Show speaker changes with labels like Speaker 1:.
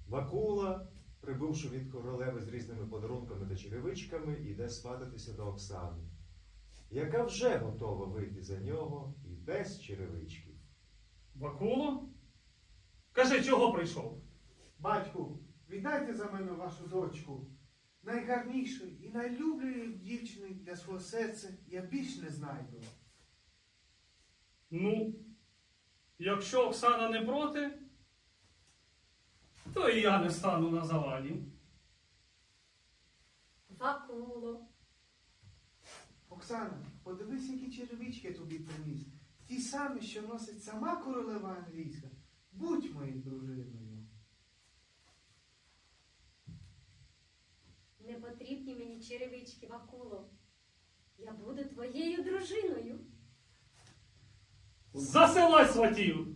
Speaker 1: Вакула, прибувши від королеви з різними подарунками та черевичками, іде свататися до Оксани, яка вже готова вийти за нього і без черевичків.
Speaker 2: Вакуло? Кажи, чого прийшов?
Speaker 3: Батьку, віддайте за мене вашу дочку. Найгарнішої і найлюблішої дівчини для свого серця я більш не знайду.
Speaker 2: Ну, якщо Оксана не проти, то і я не стану на заваді.
Speaker 4: Вакуло.
Speaker 3: Оксана, подивись, які черевички я тобі приніс. Ті самі, що носить сама королева англійська. Будь моєю дружиною.
Speaker 4: Не потрібні мені черевички, Вакуло. Я буду твоєю дружиною.
Speaker 2: Засилай сватів!